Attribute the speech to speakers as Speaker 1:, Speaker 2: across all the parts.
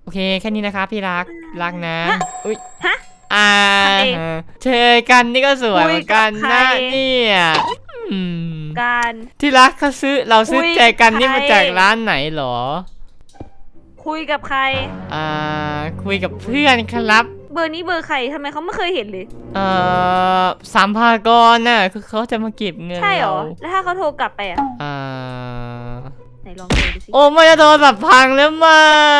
Speaker 1: เคแค่นี้นะครับพี่รักนะอุ้ย
Speaker 2: ฮะ
Speaker 1: เจอกันนี่ก็สวยเหมือนกันนะเนี่ย
Speaker 2: การ
Speaker 1: ที่รักเราซื้อใจกันนี่มาจากร้านไหนหรอ
Speaker 2: คุยกับใคร
Speaker 1: คุยกับเพื่อนครับ
Speaker 2: เบอร์นี้เบอร์ใครทำไมเขาไม่เคยเห็นเลย
Speaker 1: สัมภากรน่ะคือเขาจะมาเก็บเงิน
Speaker 2: ใช่หรอแล้วถ้าเขาโทรกลับไปไหนลองดูสิ
Speaker 1: โอ้ไม่จะโทรศัพท์พังแล้วไหม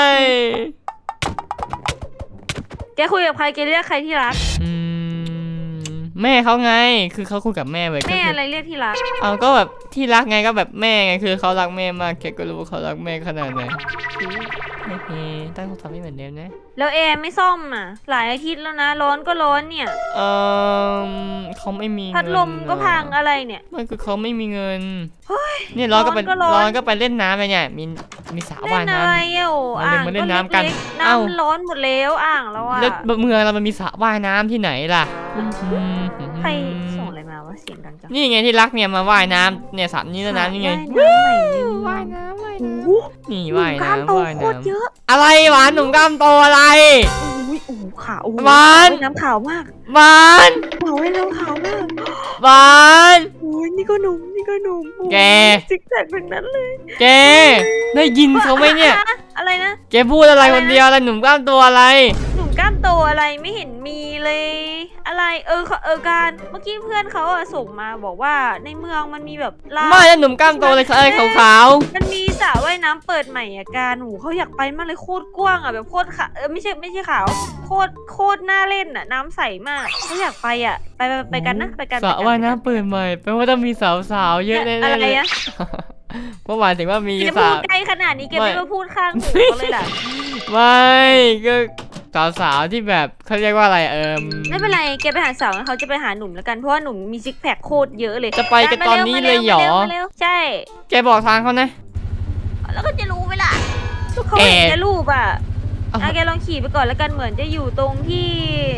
Speaker 2: แกคุยกับใครแกเรียกใครที่รัก
Speaker 1: แม่เขาไงคือเขาคุยกับแม่ไว้
Speaker 2: แม่อะไรเรียกที่รัก
Speaker 1: ก็แบบที่รักไงก็แบบแม่ไงคือเขารักแม่มากแกก็รู้ว่าเขารักแม่ขนาดไหนตั้งโทรศัพท์ไม่เหมือนเดิมนะ
Speaker 2: แล้วแอร์ไม่ซ่อมหลายอาทิตย์แล้วนะร้อนก็ร้อนเนี่ย
Speaker 1: เขาไม่มี
Speaker 2: พัดลมก็พังอะไรเนี่ย
Speaker 1: ไม่คือเขาไม่มีเงินเนี่ยร้อนก็ไปเล่นน้ำไปเนี่ยมีสระว่ายน้ำ
Speaker 2: อ่าง
Speaker 1: มาเล่นน้ำกัน
Speaker 2: น้ำร้อนหมดแล้วอ่างแล้ว
Speaker 1: แล้วเมืองเรามันมีสระว่ายน้ำที่ไหนล่ะ
Speaker 2: ใครส่งอะไรมาวะเสียงดังจัง
Speaker 1: นี่ไงที่รักเนี่ยมาว่ายน้ำเนี่ยสระนี้แล้วน้ำนี่ไงว่ายน้ำนี่ว่ายน้ำอะไรหวานหนุ่มกล้ามโตอะไร
Speaker 2: ขาว
Speaker 1: หวาน
Speaker 2: น้ำขาวมาก
Speaker 1: หวาน
Speaker 2: ขาวให้น้ำขาวมาก
Speaker 1: หวาน
Speaker 2: นี่ก็หนุ่ม
Speaker 1: แก
Speaker 2: ซิกแซกแบบนั้นเลย
Speaker 1: แกได้ยินเขาไหมเนี่ย
Speaker 2: อะไรนะ
Speaker 1: แกพูดอะไรคนเดียวอะไรหนุ่มกล้ามโตอะไร
Speaker 2: หนุ่มกล้ามโตอะไรไม่เห็นมีเลยอะไรการเมื่อกี้เพื่อนเขาส่งมาบอกว่าในเมืองมันมีแบบ
Speaker 1: ไม่หนุ่มกล้ามโตเลยอะไรขาว
Speaker 2: มันมีสระว่ายน้ำเปิดใหม่การเขาอยากไปมากเลยโคตรกว้างแบบโคตรขาวไม่ใช่ขาวโคตรน่าเล่นน้ำใสมากเขาอยากไปไปกันนะไปกัน
Speaker 1: สระว่ายน้ำเปิดใหม่แปลว่าต้องมีสาวๆเยอะแน่ๆ
Speaker 2: อะไร
Speaker 1: เพราะหมายถึงว่ามี
Speaker 2: สาวใกล้ขนาดนี้แกไม่มาพูดข้างหูเลยล่ะ
Speaker 1: ไม่ก็สาวที่แบบเขาเรียกว่าอะไร
Speaker 2: ไม่เป็นไรแกไปหาสาวเขาจะไปหาหนุ่มแล้วกันเพราะว่าหนุ่มมีซิกแพคโคตรเยอะเลย
Speaker 1: จะไปกันตอนนี้เลยเหรอ
Speaker 2: ใช่
Speaker 1: แกบอกทางเขานะ
Speaker 2: แล้วก็จะรู้ไหมล่ะเขาเห็นแกรูปแกลองขี่ไปก่อนแล้วกันเหมือนจะอยู่ตรงที่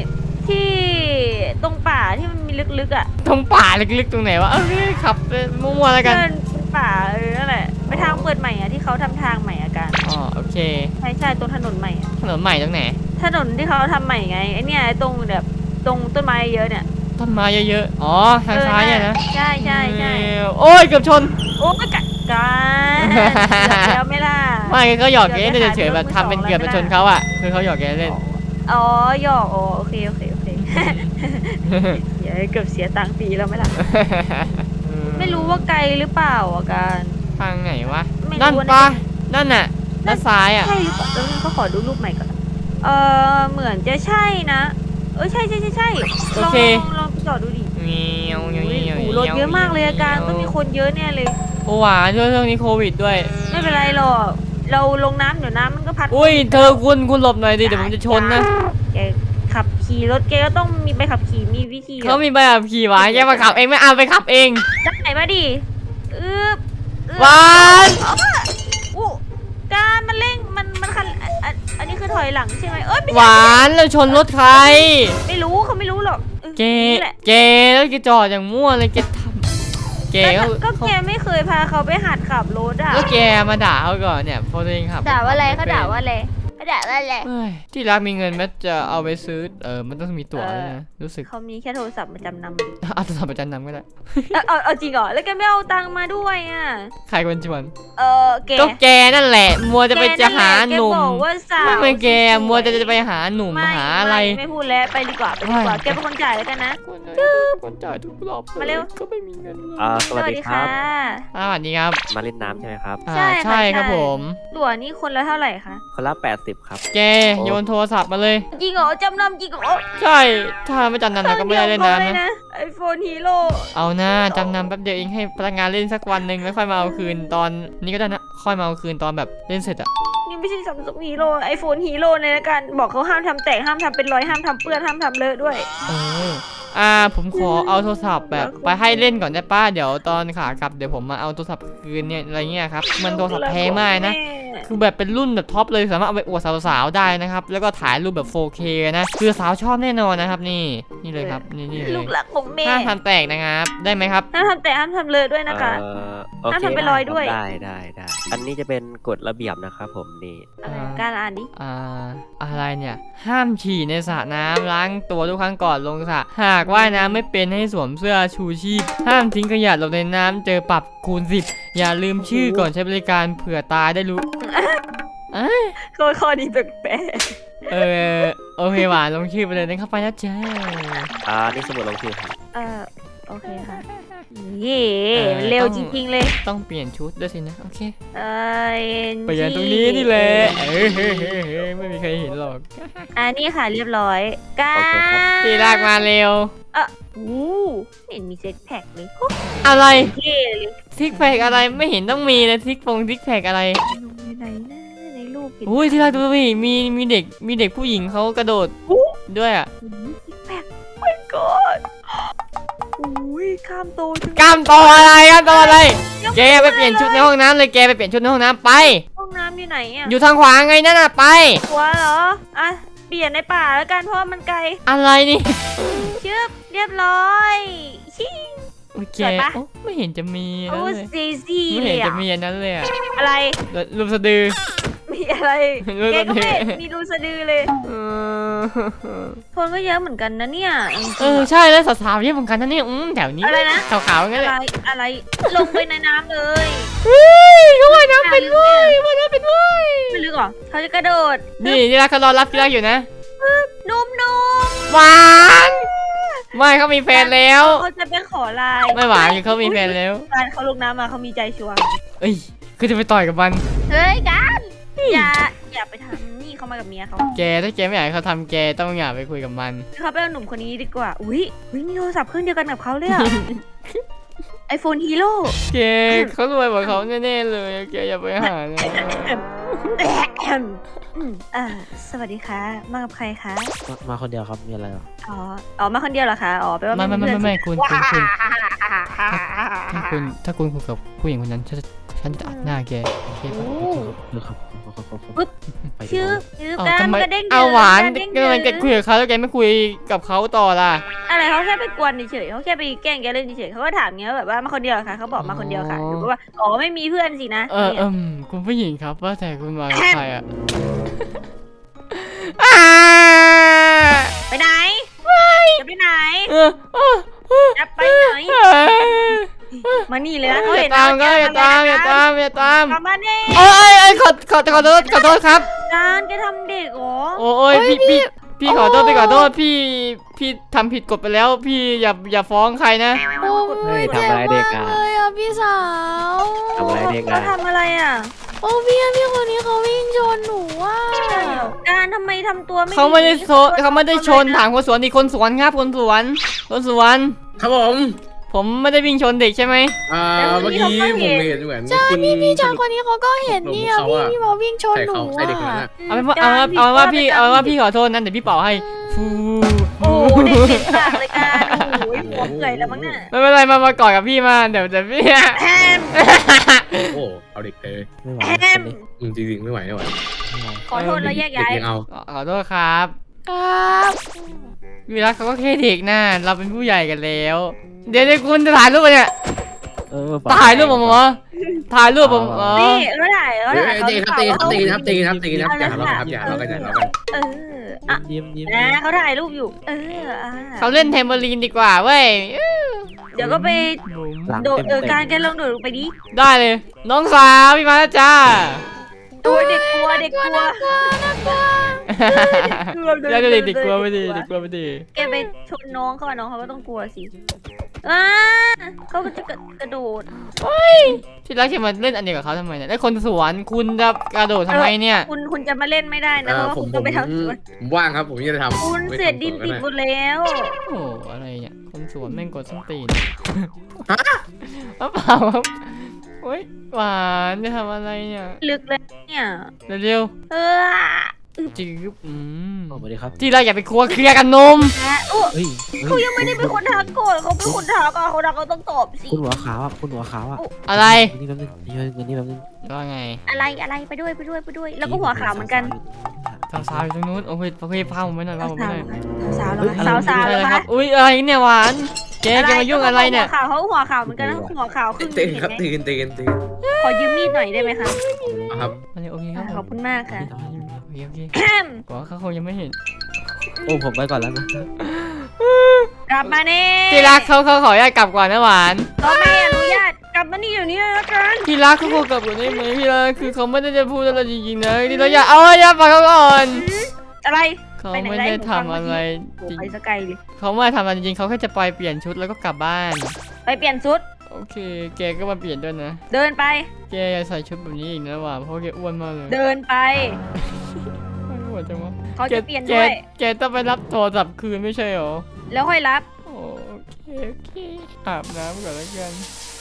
Speaker 2: ตรงป่าที่มันมีลึก
Speaker 1: ตรงป่าลึกๆตรงไหนวะขับมั่วๆแล้วกัน
Speaker 2: ป่านั่นแหละไปทางเปิดใหม่ที่เขาทำทางใหม่กัน
Speaker 1: โอเค
Speaker 2: ใช่ตรงถนนใหม่
Speaker 1: ถนนใหม่ตรงไหน
Speaker 2: ถนนที่เขาทำใหม่ไงไอเนี่ยตรงแบบตรงต้นไม้เยอะเนี่ย
Speaker 1: ต้นไม้เยอะๆทางซ้ายเนี่ยนะ
Speaker 2: ใช่
Speaker 1: โอ้ยเกือบชน
Speaker 2: โอ้ยกันแล้วไม่ล่ะ
Speaker 1: ไม่ก็หยอกแกเฉยๆแบบทำเป็นเกือบไปชนเขาคือเขาหยอกแกเล่น
Speaker 2: หยอกโอเคอย่าให้เกือบเสียตังค์ปีแล้วไม่ล่ะไม่รู้ว่าไกลหรือเปล่าการ
Speaker 1: ทางไหนวะนั่นปะนั่นน่ะด้านซ้าย
Speaker 2: ใช่หรือเปล่าแล้วเขาขอดูรูปใหม่ก่อนเหมือนจะใช่นะใช่ลองจอดดูดิรถเยอะมากเลยการต้องมีคนเยอะแน่เลย
Speaker 1: โอ้หวานช่วงนี้โควิดด้วย
Speaker 2: ไม่เป็นไรหรอกเราลงน้ำเดี๋ยวน้ำมันก็พัด
Speaker 1: อุ้ยเธอคุณหลบหน่อยดิเดี๋ยวผมจะชนนะ
Speaker 2: แกขับขี่รถแกก็ต้องมีใบขับขี่มีวิธี
Speaker 1: เขามีใบขับขี่หวานแกมาขับเองไม่เอาไปขับเอง
Speaker 2: ไหนมาดิ
Speaker 1: หวาน
Speaker 2: การมันเร่งมันคันอันนี้คือถอยหลังใช่ไหม
Speaker 1: หวานเราชนรถใคร
Speaker 2: ไม่รู้เขาไม่รู้หรอก
Speaker 1: แกแล้วแกจอดอย่างมั่วเลยแกทำ
Speaker 2: ก็แกไม่เคยพาเขาไปหัดขับรถ
Speaker 1: แล้วแกมาด่าเขาก่อนเนี่ยพอตัวเองขับ
Speaker 2: ด่าว่าอะไรเขาด่าว่าอะไร
Speaker 1: ที่รักมีเงินแม้จะเอาไปซื้อมันต้องมีตั๋วนะรู้สึก
Speaker 2: เขามีแค่โทรศัพท์มาจำน
Speaker 1: ำเอาโทรศัพท์มาจำนำก็ได้
Speaker 2: เอาจริงเหรอแล้วแกไม่เอาตังค์มาด้วย
Speaker 1: ใครคนชวน
Speaker 2: ก็
Speaker 1: แกนั่นแหละมัวจะไปหาหนุ่มไม่แกมัวจะไปหาหนุ่มหาอะไร
Speaker 2: ไม่พูดแล้วไปดีกว่าแกเป็นคนจ่ายแล้วกันนะ
Speaker 1: คนจ่ายทุกรอบ
Speaker 2: มาเร็ว
Speaker 1: ก็ไม่มีเงิน
Speaker 3: สวัสดีครับ
Speaker 1: สวัสดีครับ
Speaker 3: มาเล่นน้ำใช่ไหมครับ
Speaker 1: ใช่ครับผม
Speaker 2: ตั๋วนี่คนละเท่าไหร่คะ
Speaker 3: คนละ80ครับ
Speaker 1: แกโยนโทรศัพท์มาเลย
Speaker 2: จริงเหรอจำนำจริงเหรอ
Speaker 1: ใช่ถ้าไม่จำนำเราก็ไม่ได้เล่นน้ำนะ
Speaker 2: iPhone Hero
Speaker 1: เอาหน้าจำนำแป๊บเดียวเองให้พนักงานเล่นสักวันหนึ่งแล้วค่อยมาเอาคืนตอนนี้ก็ได้นะค่อยมาเอาคืนตอนแบบเล่นเสร็จ
Speaker 2: นี่ไม่ใช่Samsung Hero iPhone Hero ในการบอกเขาห้ามทำแตกห้ามทำเป็นรอยห้ามทำเปื้อนห้ามทำเลอะด้วย
Speaker 1: ผมขอเอาโทรศัพท์แบบไปให้เล่นก่อนได้ป้าเดี๋ยวตอนขากลับเดี๋ยวผมมาเอาโทรศัพท์คืนเนี่ยอะไรเงี้ยครับมันโทรศัพท์แพงมากนะคือแบบเป็นรุ่นแบบท็อปเลยสามารถเอาไปอวดสาวๆได้นะครับแล้วก็ถ่ายรูปแบบ 4K นะคือสาวชอบแน่นอนนะครับนี่เลยครับนี่เลย
Speaker 2: ลูกหลักของแม่
Speaker 1: ห้ามทำแตกนะครับได้ไหมครับ
Speaker 2: ห้ามทำแต่ห้ามทำเลยด้วยนะคะ
Speaker 3: โอเค
Speaker 2: ห้ามทำเป็นรอยด้วย
Speaker 3: ได้อันนี้จะเป็นกฎระเบียบนะครับผมนี่
Speaker 2: อะไรการอ่านดิ
Speaker 1: อะไรเนี่ยห้ามฉี่ในสระน้ำล้างตัวทุกครั้งก่อนลงสระหากว่ายน้ำไม่เป็นให้สวมเสื้อชูชีพห้ามทิ้งขยะลงในน้ำเจอปรับคูณ 10อย่าลืมชื่อก่อนใช้บริการเผื่อตายได้รู้
Speaker 2: ข้อนี้แปลก
Speaker 1: โอเคหวานลงชื่อไปเลยนะครับไปนะจ้า
Speaker 3: นี่สมุดลงชื่อครับ
Speaker 2: โอเคค่ะเย่เร็วจริงๆเลย
Speaker 1: ต้องเปลี่ยนชุดด้วยสินะโอเค
Speaker 2: เอ
Speaker 1: เปลี่ยนตรงนี้นี่แหละไม่มีใครเห็นหรอก
Speaker 2: นี่ค่ะเรียบร้อยการ
Speaker 1: ที่ลากมาเร็ว
Speaker 2: เห็นมีเซ็กแพคเลย
Speaker 1: อะไร
Speaker 2: เท่เลย
Speaker 1: ซิกแพคอะไรไม่เห็นต้องมีเลยซิกแพคอะไร
Speaker 2: อยู่ไหนนะในรูปเห็น
Speaker 1: อุ้ยที่รักดูสิมีเด็กผู้หญิงเขากระโดดด้วยอ่ะ
Speaker 2: ซิกแพคโอ้ my god อุ้ยข้ามโตจัง
Speaker 1: กล้ามโตอะไรแกไปเปลี่ยนชุดในห้องน้ำเลยแกไปเปลี่ยนชุดในห้องน้ำไป
Speaker 2: ห้องน้ำอยู่ไหนอ่ะ
Speaker 1: อยู่ทางขวาไงนั่นน่ะไป
Speaker 2: หัวเหรอเปลี่ยนในป่าแล้วกันเพราะว่ามันไกล
Speaker 1: อะไรนี่
Speaker 2: ชึบเรียบร้อยชิง
Speaker 1: โอเค
Speaker 2: สวยปะ
Speaker 1: โอ้ไม่เห็นจะมี
Speaker 2: โอ้
Speaker 1: นั่นเลย
Speaker 2: ซีซี
Speaker 1: ไม่
Speaker 2: เล
Speaker 1: เห็น
Speaker 2: ย
Speaker 1: จะมีอันนั้นเลยอะ
Speaker 2: อะไร
Speaker 1: รูปสะดือ
Speaker 2: มีอะไร
Speaker 1: รูป
Speaker 2: แก
Speaker 1: สะ
Speaker 2: ก็
Speaker 1: ดื
Speaker 2: ไม่
Speaker 1: อ
Speaker 2: เห็นมีรูสะดือเลย คนก็เยอะเหมือนกันนะเนี่ยจริงๆ
Speaker 1: ใช่แล้วสาวๆเยอะเหมือนกันนะเนี่ยแถวนี้
Speaker 2: อะไรนะ
Speaker 1: ขาวๆงั้น
Speaker 2: อะ
Speaker 1: เลย
Speaker 2: ไรอะไรลงไปในน้ำเลย
Speaker 1: เขาว่ายน้ำเป็นเว้ยว่ายน้ำเป็นเว้ย
Speaker 2: ไม่ลึกหรอเขาจะกระโดด
Speaker 1: นี่ที่รักเขารอรับที่รักอยู่นะ
Speaker 2: นุ่ม
Speaker 1: หวานไม่เขามีแฟนแล้ว
Speaker 2: เขาจะไปขอไลน์
Speaker 1: ไม่หวานคือเขามีแฟนแล้ว
Speaker 2: การเขาลงน้ำมาเขามีใจชัวร์
Speaker 1: เอ้ยคือจะไปต่อยกับมัน
Speaker 2: เฮ้ยกันอย่าไปทำนี่เขามากับเมียเขา
Speaker 1: แกถ้าแกไม่อยากให้เขาทำแกต้องอย่าไปคุยกับมัน
Speaker 2: เขาไปเอาหนุ่มคนนี้ดีกว่าอุ้ยมีโทรศัพท์เครื่องเดียวกันกับเขาเลยอะ iPhone Hero
Speaker 1: แกเขารวยกว่าเขาแน่ๆเลยแกอย่าไปหานะ
Speaker 2: สวัสดีค่ะมากับใครคะ
Speaker 3: มาคนเดียวครับมีอะไรหรอ
Speaker 2: อ๋อมาคนเดียวเหรอคะอ๋อแปลว่า
Speaker 1: ไม่คุณถ้าคุณคุยกับผู้หญิงคนนั้นฉันจะอัดหน้าแกโอเคปะ
Speaker 3: ครับ
Speaker 2: ชื่อ
Speaker 1: เอา
Speaker 2: การ
Speaker 1: ทำไม
Speaker 2: กระเด้ง
Speaker 1: เอาหวาน
Speaker 2: เด้ง
Speaker 1: ก็มันแกคุยกับเขาแล้วแกไม่คุยกับเขาต่อล่ะ
Speaker 2: อะไรเขาแค่ไปกวนเฉยเขาแค่ไปแกล้งแกเล่นเฉยเขาก็ถามเงี้ยแบบว่ามาคนเดียวเหรอคะเขาบอกมาคนเดียวค่ะหรือว่าอ๋อไม่มีเพื่อนสินะ
Speaker 1: คุณผู้หญิงครับว่าแต่คุณมากับใครอ่ะ
Speaker 2: ไปไหนจะไปไหนจะไปไหนมานี่เลยนะเขา
Speaker 1: อย่า
Speaker 2: เห็น
Speaker 1: ตามก็อย่าตาม
Speaker 2: มาเน่
Speaker 1: โอ้ยขอโทษครับ
Speaker 2: การแกทำเด็กเหรอ
Speaker 1: โอ้ยพี่ขอโทษพี่ทำผิดกฎไปแล้วพี่อย่าฟ้องใครนะ
Speaker 4: โอ้ย
Speaker 3: ทำอะไรเด็กอ่ะ
Speaker 4: เลยอ่ะพี่สาว
Speaker 3: ทำอะไรเด็ก
Speaker 2: เขา
Speaker 3: อ่ะ
Speaker 2: ทำอะไรอ่ะ
Speaker 4: โอ้พี่คนนี้เขาวิ่งชนหนูอ่ะ
Speaker 2: การทำไมทำตัวไม่
Speaker 1: เขาไม่ได้ชนถามคนสวนดิคนสวนครับคนสวน
Speaker 5: ครับผม
Speaker 1: ผมไม่ได้วิ่งชนเด็กใช่ไหม
Speaker 5: เมื่อกี้ผมเห็นเหมือน
Speaker 4: ใช่
Speaker 5: คุณ
Speaker 4: พี่ชายคนนี้เขาก็เห็นเนี่ยพี่มาวิ่งชน
Speaker 5: ใส่
Speaker 4: หนู
Speaker 5: เขาใส่เด็กคนนั้น
Speaker 4: อ่ะ
Speaker 5: อะ
Speaker 1: เอาเป็นว่าพี่ขอโทษนั้นเดี๋ยวพี่เป่าให้ฟู
Speaker 2: โอ้เด็กเด็กปากเลยการโอ้ยหัวเปื่อยแล้วมั้งเนี่ย
Speaker 1: ไม่เป็นไรมากอดกับพี่มาเดี๋ยวพี่
Speaker 2: แฮม
Speaker 5: โอ้เอาเด็กเลย
Speaker 3: ไม่ไหว
Speaker 2: แฮม
Speaker 5: จริงๆไม่ไหว
Speaker 2: ขอโทษแล้วแยกย้าย
Speaker 5: เด็กเอา
Speaker 1: ขอโทษครับ
Speaker 4: ครับ
Speaker 1: วิรักเขาก็แค่เด็กนะเราเป็นผู้ใหญ่กันแล้ว เดี๋ยวคุณจะถ่ายรูปเนี่ยถ่ายรูปผมเหรอถ่ายรูปผมเหรอ
Speaker 2: นี่เขาถ่าย
Speaker 5: ตีครับอย่าทะเลาะกันครับอย่าทะเลาะกัน
Speaker 3: ยิ้ม
Speaker 2: นะเขาถ่ายรูปอยู่
Speaker 1: เขาเล่นเทมเบอรีนดีกว่าเว้ย
Speaker 2: เดี๋ยวก็ไปโดดการแกลองโดดลงไปดิ
Speaker 1: ได้เลย น้องสาวพี่มาแล้วจ้า
Speaker 2: ตัวเด็กกลัวเด็กกลัว
Speaker 1: แล้วเด็กกลัวไม่ดี
Speaker 2: แกไปชนน้องเขาน้องเขาก็ต้องกลัวสิเขาก็จะกระโดด
Speaker 1: ที่รักจะมาเล่นอันเดียวกับเขาทำไมเนี่ยแล้วคนสวนคุณจะกระโดดทำไมเนี่ย
Speaker 2: คุณจะมาเล่นไม่ได้นะเพราะว่าคุณต้องไปทำสวน
Speaker 5: ผมว่างครับผมจะทำ
Speaker 2: คุณเศษดินติดหมดแล้ว
Speaker 1: โอ้อะไรเนี่ยคนสวนแม่งกดส้นตีนเปล่าครับโอ๊ยหวานจะทำอะไรเนี่ย
Speaker 2: ลึกเลยเนี่ย
Speaker 1: เร็ว
Speaker 2: เออ
Speaker 1: จืบ
Speaker 3: สวัสดีครับ
Speaker 1: ที่เราอย่าไปเคลียร์กันนม
Speaker 2: นะโอ้
Speaker 3: เฮ้ย
Speaker 2: เขายังไม่ได้เป็นคนทักก่อนเขาเป็นคนทักอ่ะเขาทักเขาต้องตอบสิ
Speaker 3: คุณหัวขาวอ่ะคุณหัวขาวอ่ะ
Speaker 1: อะไร
Speaker 3: นี่แป๊บนึงนี่แป๊บนึง
Speaker 1: ว่าไง
Speaker 2: อะไรไปด้วยแล้วก็หัวขาวเหมือนกัน
Speaker 1: สาวๆอยู่ตรงนู้นโอเคพาผมไปหน่อยพาผมไปหน่อย
Speaker 2: สาวแล้วสาว
Speaker 1: อะไร
Speaker 2: แล้ว
Speaker 1: ครับอุ้ยอะไรเนี่ยหวานเจ๊จะมายุ่งอะไรเนี่ย
Speaker 2: เขาหัวขาวเหมือนกันนะหัวขาวครึ่ง
Speaker 5: ตีน
Speaker 2: เห็น
Speaker 5: ครับ
Speaker 2: ไหม
Speaker 5: ตีน
Speaker 2: ขอยืมมีดหน่อยได้ไหมคะ
Speaker 5: ครับ
Speaker 1: มาเลยโอเคครับ
Speaker 2: ขอบคุณมากค่ะ
Speaker 1: โอเคกว่าเขาคงยังไม่เห็น
Speaker 3: โอ้ผมไปก่อนแล้วนะ
Speaker 2: กลับมาเน่
Speaker 1: ที่รักเขาขออนุญาตกลับก่อนนะหวาน
Speaker 2: ก็ไม่อนุญาตกลับมานี่เดี๋ยวนี้เลยละกัน
Speaker 1: ที่รักเขาขอกลับก่อนได้ไหมที่รักคือเขาไม่ได้จะพูดอะไรจริงๆนะที่เราอย่าฟังเขาก่อน
Speaker 2: อะไร
Speaker 1: เขาไม่ได้ทำอะไรจริง
Speaker 2: ไปสกายเลย
Speaker 1: เขาไม่ได้ทำอะไรจริงเขาแค่จะไปเปลี่ยนชุดแล้วก็กลับบ้าน
Speaker 2: ไปเปลี่ยนชุด
Speaker 1: โอเคแกก็มาเปลี่ยนด้วยนะ
Speaker 2: เดินไป
Speaker 1: แกอย่าใส่ชุดแบบนี้อีกนะหวานเพราะแกอ้วนมากเลย
Speaker 2: เดินไป
Speaker 1: อ้วนจังวะ
Speaker 2: เขาจะเปลี่ยนด้วย
Speaker 1: แกต้องไปรับโทรศัพท์คืนไม่ใช่หรอ
Speaker 2: แล้วค่อยรับ
Speaker 1: โอเคอาบน้ำก่อนแล้วกัน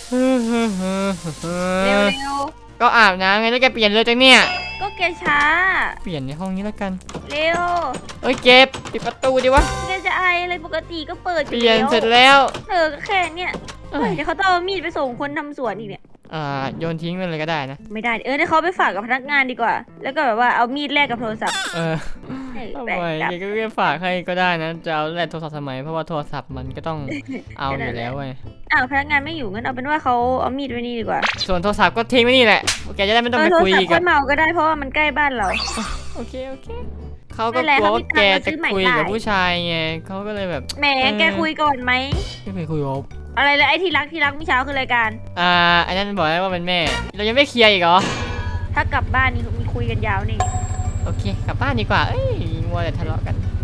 Speaker 2: เร็ว
Speaker 1: ก็อาบน้ำไงแล้วแกเปลี่ยนเลยจังเนี่ย
Speaker 2: ๆก็แกช้า
Speaker 1: เปลี่ยนในห้องนี้แล้วกัน
Speaker 2: เร็ว
Speaker 1: เอ้ยเก็บปิดประตูดิวะ
Speaker 2: แกจะไออะไรปกติก็เปิดอ
Speaker 1: เปลี่ยนเสร็จ
Speaker 2: แล้ว
Speaker 1: แล้ว
Speaker 2: ก็แค่เนี่ย
Speaker 1: เอ้ย
Speaker 2: เดี๋ยวเขาต้องเอามีดไปส่งคนทำสวนอีกเนี่ย
Speaker 1: โยนทิ้งไปเลยก็ได้นะ
Speaker 2: ไม่ได้เดี๋ยวเขาไปฝากกับพนักงานดีกว่า แล้วก็แบบว่าเอามีดแลกกับโทรศัพท์
Speaker 1: ทำ
Speaker 2: แบก
Speaker 1: ไม
Speaker 2: กลับ
Speaker 1: แกก็แค่ฝากให้ก็ได้นะจะเอาแลกโทรศัพท์ทำไมเพราะว่าโทรศัพท์มันก็ต้องเอาอยู่แล้วไง
Speaker 2: อ้าวพนักงานไม่อยู่งั้นเอาเป็นว่าเขาเอามีดไว้นี่ดีกว่า
Speaker 1: ส่วนโทรศัพท์ก็ทิ้งไว้นี่แหละแกจะได้ไม่ต้องไป
Speaker 2: โทร
Speaker 1: คุย
Speaker 2: ศัพ
Speaker 1: อี
Speaker 2: ท์
Speaker 1: กั
Speaker 2: ค่
Speaker 1: บ
Speaker 2: อยเมาก็ได้เพราะว่ามันใกล้บ้านเรา
Speaker 1: โอเคเขาก็
Speaker 2: ไม่เป็นไร
Speaker 1: กลัวว่า
Speaker 2: เขามี
Speaker 1: แก
Speaker 2: ตังค์มาซื้
Speaker 1: จะ
Speaker 2: อใหม่
Speaker 1: คุยกับ
Speaker 2: ได้
Speaker 1: ผู้ชายไงเขาก็เลยแบบ
Speaker 2: แหมแกคุยก่อนไหม
Speaker 1: ไม่เคยคุยกับ
Speaker 2: อะไรเลยไอ้ที่รักเมื่อเช้าคือรายการ
Speaker 1: อันนั้นบอกได้ว่าเป็นแม่ เรายังไม่เคลียร์อีกเหรอ
Speaker 2: ถ้ากลับบ้านนี่มีคุยกันยาวนี่
Speaker 1: โอเคกลับบ้านดีกว่าเอ้ยมัวแต่ทะเลาะกันไป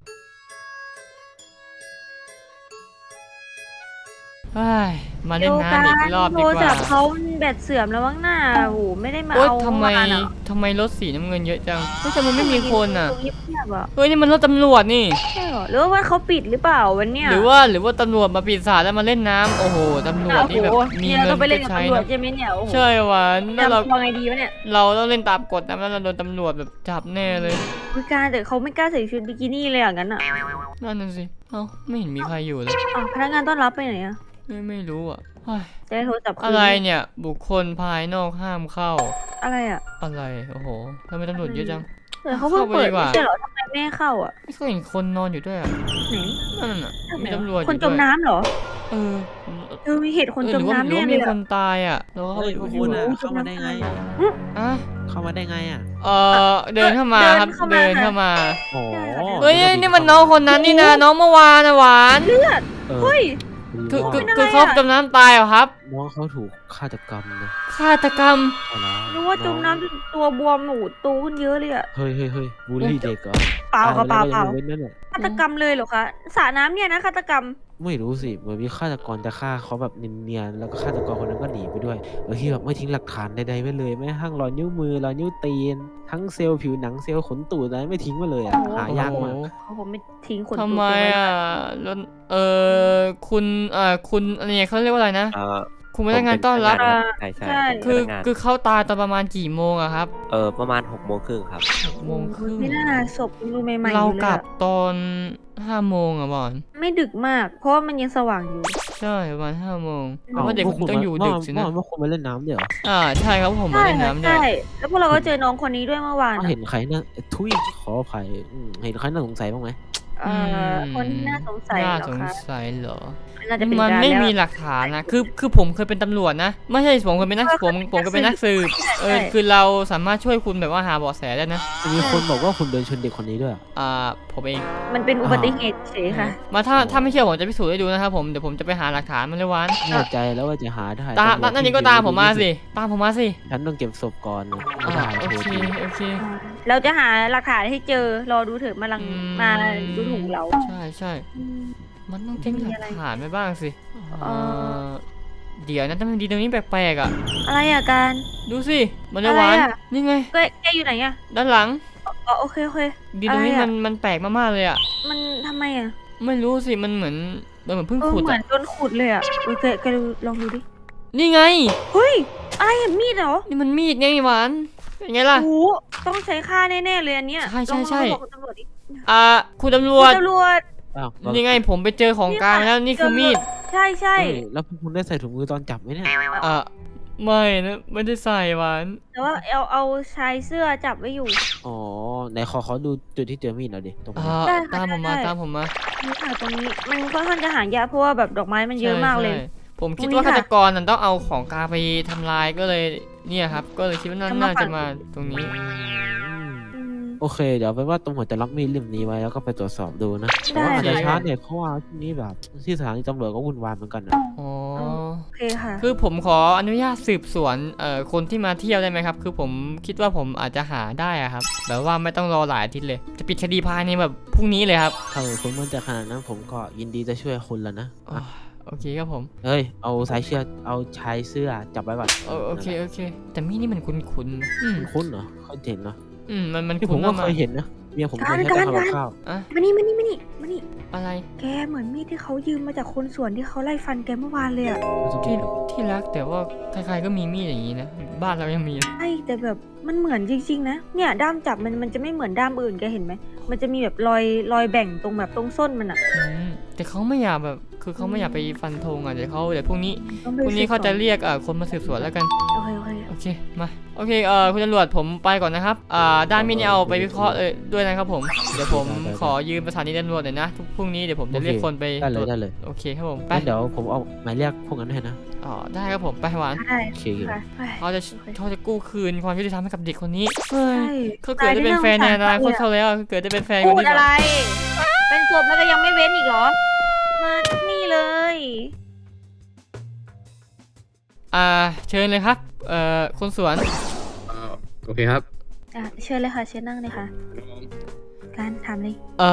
Speaker 1: เฮ้ยมาเล่นน้ำอีกรอบดีก
Speaker 2: โทรศั
Speaker 1: ว่า
Speaker 2: พท์เขาแบตเสื่อมแล้วมั้งหน้าโอ้โหไม่ได้มา
Speaker 1: โอ๊ย
Speaker 2: เอา
Speaker 1: ทำไม
Speaker 2: เอวานอะ
Speaker 1: รถสีน้ำเงินเยอะจังไม่ใช่มันไม่มีคนอ่ะ
Speaker 2: เงียบๆอะ
Speaker 1: เฮ้ยนี่มันรถตำรวจนี่
Speaker 2: ใช่เหรอหรือว่าเขาปิดหรือเปล่าวันเนี้ย
Speaker 1: หรือว่าตำรวจมาปิดสาดแล้วมาเล่นน้ำโอ้โหตำรวจนี่แบบ
Speaker 2: โอ้โห
Speaker 1: มี
Speaker 2: เนี่ย
Speaker 1: เงิ
Speaker 2: เรา
Speaker 1: น
Speaker 2: ไปเล่น
Speaker 1: จะ
Speaker 2: กับ
Speaker 1: ใช้
Speaker 2: ตำรวจ
Speaker 1: นะ
Speaker 2: ใช่ไหมเนี่ยโอ้โห
Speaker 1: ใช่หวานแล้วเรา
Speaker 2: ทำไงดีวะเนี่ย
Speaker 1: เราต้องเล่นตามกฎนะไม่งั้นเราโดนตำรวจแบบจับแน่เลย
Speaker 2: ไม่กล้าแต่เขาไม่กล้าใส่ชุดบิกินี่เลยอย่างนั้นอ่ะ
Speaker 1: นั่นน่ะสิเอ้าไม่เห็นมีใครอยู่เลย
Speaker 2: อ้าวพนักงานต้อนรับไปไหนอ่ะ
Speaker 1: ไม่รู้อ่ะเฮ้ย
Speaker 2: จะได้โทรศัพท์คืน
Speaker 1: อะไรเนี่ยบุคคลภายนอกห้ามเข้า
Speaker 2: อะไรอ่ะ
Speaker 1: อะไรโอ้โหทำไมตำรวจเยอะจัง
Speaker 2: เออเขาเพิ่งเปิด
Speaker 1: เข้าไปดีกว่า
Speaker 2: ไม่ใช่เหรอทำไมไม่ให้เข้าอ่ะ
Speaker 1: ไม่เคยเห็นคนนอนอยู่ด้วยอ่ะ
Speaker 2: ไหน
Speaker 1: นั่นน่ะมีตำรวจอ
Speaker 2: คน
Speaker 1: ยู่
Speaker 2: จ
Speaker 1: ด้
Speaker 2: ม
Speaker 1: วย
Speaker 2: น้ำเหรอ
Speaker 1: เออ
Speaker 2: เออมีเหตุคนจมน้ำ
Speaker 1: หรือ
Speaker 2: แน่
Speaker 1: ว่า
Speaker 2: เล
Speaker 1: มี
Speaker 2: ย
Speaker 1: ค
Speaker 2: อะ
Speaker 1: นตายอ่ะแล้วก็
Speaker 3: เฮ้ยพวกคุณอ่ะเข้ามาได้ไง
Speaker 1: อ่ะ
Speaker 3: เข้ามาได้ไงอ่ะ
Speaker 1: เดินเข้ามาครับเดินเข้ามา
Speaker 3: โอ้
Speaker 1: เฮ้ยนี่มันน้องคนนั้นนี่นะน้องเมื่อวานนะหวาน
Speaker 2: เฮ้ย
Speaker 1: คือเขาจมน้ำตายเหรอครับ
Speaker 3: น้องเขาถูกฆาตกรรมนะ
Speaker 1: ฆาตกรรม
Speaker 3: เอาละ
Speaker 2: รู้ว่าจมน้ำจนตัวบวมหนูโตขึ้นเยอะเลยอะ
Speaker 3: เฮ้ยบูลลี่เด็กเหรอ
Speaker 2: เปล่าค่ะเปล่า
Speaker 3: ตยไปแล้วก็ยังไม่เว้นนั่นแหละ
Speaker 2: ฆาตกรรมเลยเหรอคะสระน้ำเนี่ยนะฆาตกรรม
Speaker 3: ไม่รู้สิเหมือนมีฆาตกรจะฆ่าเขาแบบเนียนๆแล้วก็ฆาตกรคนนั้นก็หนีไปด้วยโดยที่แบบไม่ทิ้งหลักฐานใดๆไว้เลยแม้กระทั่งรอยนิ้วมือรอยนิ้วตีนทั้งเซลล์ผิวหนังเซลล์ขนตูดอะไรไม่ทิ้งมาเลยอ่ะหายากมาก
Speaker 2: เขาผมไม่ทิ้งคน
Speaker 1: ทำไมอ่ะแล้วคุณอันนี้เขาเรียกว่าอะไรนะ คุณพนักงานต้อนรับ
Speaker 3: ใช่
Speaker 2: ใช่
Speaker 1: คือเขาตายตอนประมาณกี่โมงอะครับ
Speaker 3: ประมาณ6 โมงครึ่งครับ
Speaker 1: โมงครึ่ง
Speaker 2: ไม่น่าศพยังดูใหม่ๆอ
Speaker 1: เรา
Speaker 2: ยู่เล
Speaker 1: ก
Speaker 2: ย
Speaker 1: ลั
Speaker 2: อะ
Speaker 1: บตอน5 โมงอะบอล
Speaker 2: ไม่ดึกมาก เพราะว่ามันยังสว่างอยู่
Speaker 1: ใช่ประมาณ5 โมงเพราะว่าเด็กผมต้องอยู่ดึกสินะ
Speaker 3: เมื่อคุณมาเล่นน้ำเดี๋ยว
Speaker 1: ใช่ครับผมมาเล่นน้ำด้วย
Speaker 2: ใช่แล้วพวกเราก็เจอน้องคนนี้ด้วยเมื่อวาน
Speaker 3: เห็นใครน่าทุยขออภัยเห็นใครน่าสงสัยบ้างไหม
Speaker 2: คนที่น่าสงสัย
Speaker 1: น่า
Speaker 2: เหรอ
Speaker 1: สง
Speaker 2: คะ
Speaker 1: สัยเหรอ
Speaker 2: น่าจะเป็น
Speaker 1: มัน
Speaker 2: การ
Speaker 1: ไม่
Speaker 2: แล้ว
Speaker 1: มีหลักฐานนะคือผมเคยเป็นตำรวจนะไม่ใช่ผมเคยเป็นนักผมเคยเป็นนักสืบคือเราสามารถช่วยคุณแบบว่าหาเบาะแสได้นะ
Speaker 3: มีคนบอกว่าคุณเดินชนเด็กคนนี้ด้วย
Speaker 1: ผมเอง
Speaker 2: มันเป็นอุบัติเหตุเฉยค่ะ
Speaker 1: มาถ้าไม่เชื่อผมจะพิสูจน์ให้ดูนะครับผมเดี๋ยวผมจะไปหาหลักฐานมันเลยวัน
Speaker 3: แน่ใจแล้วว่าจะหาได้
Speaker 1: นั่นนี่ก็ตามผมมาสิตามผมมาสิ
Speaker 3: ฉันต้องเก็บศพก่อนนะ
Speaker 1: โอเค
Speaker 2: เราจะหาหลักฐานให้เจอรอดูเถอะมามาดูถูกเรา
Speaker 1: ใช่มันต้องทิ้งหลักฐานไปบ้างสิเดี๋ยวนะทำไมดีตรงนี้แปลกๆอ่ะ
Speaker 2: อะไรอ่ะการ
Speaker 1: ดูสิมันเลยวันนี่ไง
Speaker 2: แกอยู่ไหนอ่ะ
Speaker 1: ด้านหลัง
Speaker 2: อ๋อโอเค
Speaker 1: ดีตรงนี้
Speaker 2: อะไรอะ
Speaker 1: มันแปลกมากๆเลยอ่ะ
Speaker 2: มันทำไมอ่ะ
Speaker 1: ไม่รู้สิมันเหมือนเพิ่งขุด
Speaker 2: เหมือ
Speaker 1: อ่ะ
Speaker 2: นโดนขุดเลยอ่ะแกดูลองดูดิ
Speaker 1: นี่ไง
Speaker 2: เฮ้ยอะไรอ่ะมีดเหรอ
Speaker 1: นี่มันมีดไงหวานเป็นไงล่ะ
Speaker 2: โอ้โหต้องใช้ค่าแน่ๆเลยอันเนี้ย
Speaker 1: ใช่
Speaker 2: ลอง
Speaker 1: ใช่
Speaker 2: บอกคุณตำรวจดิ
Speaker 1: คุณตำร
Speaker 2: คุ
Speaker 1: ว
Speaker 2: ณ
Speaker 1: จ
Speaker 2: ตำรวจ
Speaker 3: อ้าว
Speaker 1: นี่ไงผมไปเจอของกลางแล้วนี่คือมีด
Speaker 2: ใช่ใช่
Speaker 3: เฮ้ยแล้วพวกคุณได้ใส่ถุงมือตอนจับไหมเนี่ย
Speaker 1: ไม่นะไม่ได้ใส่หวาน
Speaker 2: แต่ว่าเอาชายเสื้อจับไว้อยู่
Speaker 3: อ๋อไหนขอดูจุดที่เจอมีดหน่อยดิตรงนี้
Speaker 2: ได้ค่ะ
Speaker 1: ตามผมมา
Speaker 2: ได้
Speaker 1: ตามผมมา
Speaker 2: นี่ค่ะตรงนี้มันค่อนข้างจะหายากเพราะว่าแบบดอกไม้มันเยอะมากเลย
Speaker 1: ใช่ผมคิด
Speaker 2: ตรงนี้
Speaker 1: ว่า
Speaker 2: ค่ะ
Speaker 1: ฆาตกรน่ะต้องเอาของกลางไปทำลายก็เลยเนี่ยครับ ก็เลยคิดว่าน่าจะมาตรงนี้
Speaker 2: อืม
Speaker 3: โอเคเดี๋ยวไปนว่าตรงหัวจะล็อกมีดเล่มนี้ไว้แล้วก็ไปตรวจสอบดูนะ
Speaker 2: ได้
Speaker 3: แต่ว่าอาจจะ
Speaker 2: ค่ะ
Speaker 3: ช้าหน่อยเพราะว่าที่นี่แบบที่สถานีตำรวจก็วุ่นวายเหมือนกันนะ
Speaker 1: อ๋อ
Speaker 2: โอเคค่ะ
Speaker 1: คือผมขออนุญาตสืบสวนคนที่มาเที่ยวได้ไหมครับ คือผมคิดว่าผมอาจจะหาได้อะครับแบบว่าไม่ต้องรอหลายอาทิตย์เลย จะปิดคดีภายในแบบพรุ่งนี้เลยครับ
Speaker 3: ถ้าคุณมั่นใจขนาดนั้นผมก็ยินดีจะช่วยคุณแล้วนะ
Speaker 1: อ๋อโอเคครับผม
Speaker 3: เฮ้ยเอาสายเชือกเอาชายเสื้อจับไว้ก่อน
Speaker 1: โอเคโอเค แต่มีดนี่มันคุ้นๆ
Speaker 3: คุ้นเหรอเคยเห็นเนาะ
Speaker 1: มัน
Speaker 3: ที่ผ
Speaker 1: คุ้
Speaker 3: ม
Speaker 1: น
Speaker 3: ก็
Speaker 1: มาก
Speaker 3: เคยเห็นนะเมียผมเคย
Speaker 2: การ
Speaker 3: ใช้
Speaker 2: การ
Speaker 3: ทำกับข้าว
Speaker 1: อะ
Speaker 2: มานี่มานี่มานี่มานี่
Speaker 1: อะไร
Speaker 2: แกเหมือนมีดที่เขายืมมาจากคนสวนที่เขาไล่ฟันแกเมื่อวานเลยอะ
Speaker 1: ที่รักแต่ว่าใครๆก็มีมีดอย่างนี้นะบ้านเรายังมี
Speaker 2: ใช่แต่แบบมันเหมือนจริงๆนะเนี่ยด้ามจับมันจะไม่เหมือนด้ามอื่นแกเห็นไหมมันจะมีแบบรอยแบ่งตรงแบบตรงส้นมันอะ
Speaker 1: แต่เขาไม่อยากแบบคือเขาไม่อยากไปฟันธงอ่ะเดี๋ยวพรุ่งนี้
Speaker 2: ต้องไป
Speaker 1: พรุ่งนี้เขาจะ
Speaker 2: สืบส
Speaker 1: เรียกคนมาสืบสวนแล้วกัน
Speaker 2: วนโอเคโอเค
Speaker 1: โอเคมาโอเคคุณตำรวจผมไปก่อนนะครับด้านมีดนี่เอาไปวิเคราะห์ด้วยนะครับผมเดี๋ยวผมขอยืมสถานีตำรวจหน่อยนะพรุ่งนี้เดี๋ยวผมจะเรียกคนไป
Speaker 3: ได้เลยได้เลย
Speaker 1: โอเคครับผมไป
Speaker 3: งั้นเดี๋ยวผมเอาหมายเรียกพวกนั้นให้นะ
Speaker 1: ได้ครับผมไปหวาน
Speaker 2: ได้
Speaker 3: โอเค
Speaker 2: ค่ะไป
Speaker 1: เขาจะกู้คืนความยุติธรรมให้กับเด็กคนนี้เฮ้ย
Speaker 2: ใช่
Speaker 1: เขาเกิดได้เป็นแฟนในอนาคตเขาแล้วเกิดได้เป็นแฟน
Speaker 2: พู
Speaker 1: คน
Speaker 2: ด
Speaker 1: ที่
Speaker 2: อะไร เป็นศพแล้วก็ยังไม่เว้นอีกเหรอ มานี่เลย
Speaker 1: เชิญเลยครับคนสวน
Speaker 5: โอเคครับ
Speaker 2: เชิญเลยค่ะ เชิญนั่งเลยค่ะ การทำเลย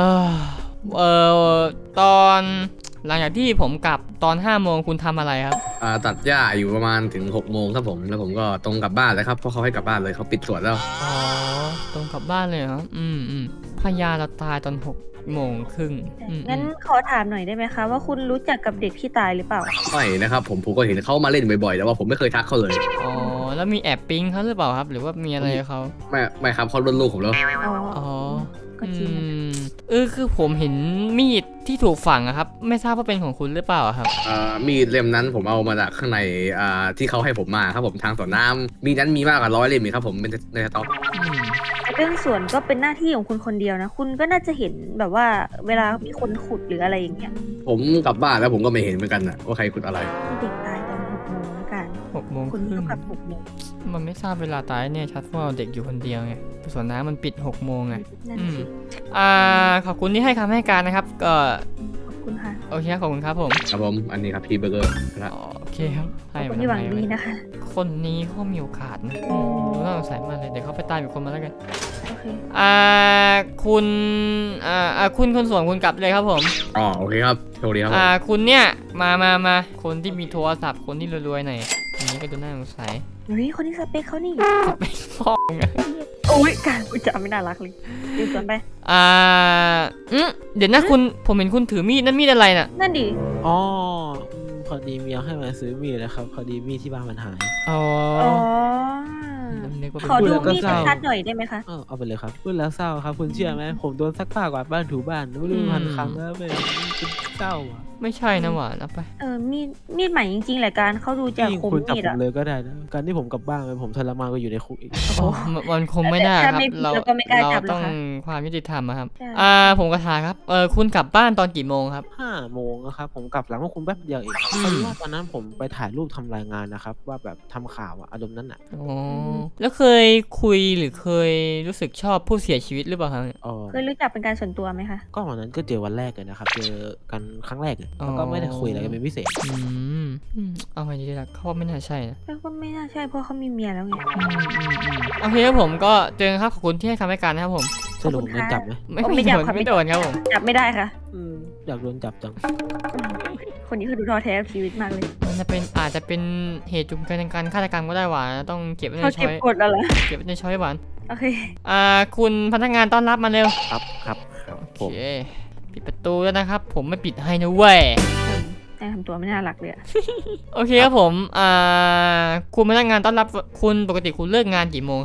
Speaker 1: ตอนหลังจากที่ผมกลับตอน5 โมงคุณทำอะไรครับ
Speaker 5: ตัดหญ้าอยู่ประมาณถึง6 โมงครับผมแล้วผมก็ตรงกลับบ้านเลยครับเพราะเขาให้กลับบ้านเลยเขาปิดสวนแล้ว
Speaker 1: อ๋อตรงกลับบ้านเลยเหรอพญาเราตายตอน6 โมงครึ่ง
Speaker 2: งั้นขอถามหน่อยได้ไหมคะว่าคุณรู้จักกับเด็กที่ตายหรือเปล่า
Speaker 5: ไม่นะครับผมก็เห็นเขามาเล่นบ่อยๆแต่ว่าผมไม่เคยทักเขาเลย
Speaker 1: อ๋อแล้วมีแอบปิ๊งเขาหรือเปล่าครับ หรือว่ามีอะไรกับเขา
Speaker 5: ไม่ครับเขารุ่นลูกผมแล้ว
Speaker 2: อ๋อ
Speaker 1: อ๋อ
Speaker 2: ก็จริงนะ
Speaker 1: คือผมเห็นมีดที่ถูกฝังอะครับ ไม่ทราบว่าเป็นของคุณหรือเปล่าอะครับ
Speaker 5: มีดเล่มนั้นผมเอามาจากข้างในที่เขาให้ผมมาครับผมทางสวนน้ำมีนั้นมีมากกว่า100 เล่มอีกครับผมเป็นในสต็อก
Speaker 2: เรื่องสวนก็เป็นหน้าที่ของคุณคนเดียวนะ คุณก็น่าจะเห็นแบบว่าเวลามีคนขุดหรืออะไรอย่างเงี้ย
Speaker 5: ผมกลับบ้านแล้วผมก็ไม่เห็นเหมือนกันนะว่าใครขุดอะไร
Speaker 2: ที่เด็กตายตอน6 โมงแล้วกัน
Speaker 1: 6 โมงค
Speaker 2: คุณ
Speaker 1: รึ่
Speaker 2: เท่าง กับ6 โมง
Speaker 1: มันไม่ทราบเวลาตายเนี่ยชัดว่าเด็กอยู่คนเดียวไงสวนน้ำมันปิด6 โมงไง
Speaker 2: นั่นสิ
Speaker 1: ขอบคุณที่ให้คำให้การนะครับ ก็
Speaker 2: ขอบคุณค่ะ
Speaker 1: โอเคครับขอบคุณครับผม
Speaker 5: ครับผมอันนี้ครับพี่เบอร์เกอร์นะ
Speaker 1: โอเคครับ
Speaker 2: ขอบ
Speaker 1: ให้
Speaker 2: คุ
Speaker 1: มา
Speaker 2: ณที่หวัง
Speaker 1: ทำไม
Speaker 2: ดี
Speaker 1: วะ
Speaker 2: นะคะ
Speaker 1: คนนี้เขามีโอกาสนะดูน่าสงสัยมากเลยเดี๋ยวเขาไปตามอีกคนมาแล้วกัน
Speaker 2: โอเค
Speaker 1: คุณคุณคนสวนคุณกลับเลยครับผม
Speaker 5: อ๋อโอเคครับโชคดีครับผม
Speaker 1: คุณเนี่ยมาคนที่มีโทรศัพท์คนที่รวยๆหน่อยอันนี้ก็ดูน่าสงสัย
Speaker 2: เฮ้ยคนนี้สเปคเขานี่
Speaker 1: จะไปฟ้องไง
Speaker 2: โอ้ยการพูดจาไม่น่ารักเลยดูสวนไป
Speaker 1: เดี๋ยวนะผมเห็นคุณถือมีดนั่นมีดอะไรน่ะ
Speaker 2: นั่นดิ
Speaker 3: อ๋อพอดีเมียให้มาซื้อมีดนะครับพอดีมีดที่บ้านมันหาย
Speaker 1: อ๋อ
Speaker 2: อ๋อ
Speaker 1: นึกว่าเป็น
Speaker 2: ขอดู
Speaker 3: พูดแล้วก็
Speaker 2: มีด
Speaker 3: เศร้า
Speaker 2: ชัดๆหน่อยได้ไหมคะ
Speaker 3: เอาไปเลยครับพูดแล้วเศร้าครับคุณเชื่อไหมผมโดนซักผ้ากวาดบ้านถูบ้านไม่รู้พันครั้งแล้วเป็นเศร้าอ่ะ
Speaker 1: ไม่ใช่นะหวานเอาไป
Speaker 2: มีดใหม่จริงๆแหละการเขาดูจาก
Speaker 3: ยิ่ง
Speaker 2: คม
Speaker 3: คุณจับ
Speaker 2: มีด
Speaker 3: ผ
Speaker 2: อะ
Speaker 3: มเลยก็ได้นะการที่ผมกลับบ้านไปผมทรมานก็อยู่ในคุกอีก
Speaker 1: โอ้มันคงไม่ได้ครับ
Speaker 2: ถ้าไม่ผิด
Speaker 1: เรา
Speaker 2: เราก็ไม่กล้าจับหรอก
Speaker 1: ต้อง
Speaker 2: ค่ะ
Speaker 1: ความยุติธรรมอะครับ
Speaker 2: ใช่
Speaker 1: ผมกระถามครับคุณกลับบ้านตอนกี่โมงครับ
Speaker 3: 5 โมงนะครับผมกลับหลังพวกคุณแป๊บเดียวเองพอดีว่าตอนนั้นผมไปถ่ายรูปทำรายงานนะครับว่าแบบทำข่าวอะอารมณ์นั้นอ่ะ
Speaker 1: อ๋อแล้วเคยคุยหรือเคยรู้สึกชอบผู้เสียชีวิตหรือเปล่าครับ
Speaker 3: อ๋อ
Speaker 2: เคยรู้จักเป็นการส่วนตัวไหมคะ
Speaker 3: ก็วันนั้นก็เจอวันแรกเลยนะครับเจอกันครั้งแรกเลยแล้วก็ไม่ได้คุยอะไรกันเป็นพิเศษ
Speaker 1: เอาไงดีล่ะเขาว่าไม่น่าใช่นะ
Speaker 2: แล้วก็ไม่น่าใช่เพราะเขามีเมียแล้วไง
Speaker 1: โอเคครับผมก็เจอครับขอบคุณที่ให้คำให้การนะครับผม
Speaker 3: สรุปผมโดนจับไหม
Speaker 1: ไม่
Speaker 2: ไม่จับครับ
Speaker 1: ไม่โดนครับผม
Speaker 2: จับไม่ได้ค่ะ
Speaker 3: อยากโดนจับจัง
Speaker 2: คนนี้เขาดูท้อแท้กับชีวิตมากเลย
Speaker 1: มันจะเป็นอาจจะเป็นเหตุจูงใจในการฆาตกรรมก็ได้หวานต้องเก็บไว้ใน
Speaker 2: เขา
Speaker 1: ช้
Speaker 2: เก็บ
Speaker 1: อย
Speaker 2: กดแล้วเหรอ
Speaker 1: เก็บไว้ในช้อยหวาน
Speaker 2: โอเค
Speaker 1: คุณพนักงานต้อนรับมาเร็ว
Speaker 3: ครับ
Speaker 1: โอ
Speaker 3: ผม
Speaker 1: เคปิดประตูแล้วนะครับ ผมไม่ปิดให้นะเว้ย
Speaker 2: แต่ทำตัวไม่น่ารักเลยอะ
Speaker 1: โอเคครับผมคุณพนักงานต้อนรับคุณปกติคุณเลิกงานกี่โมงครับ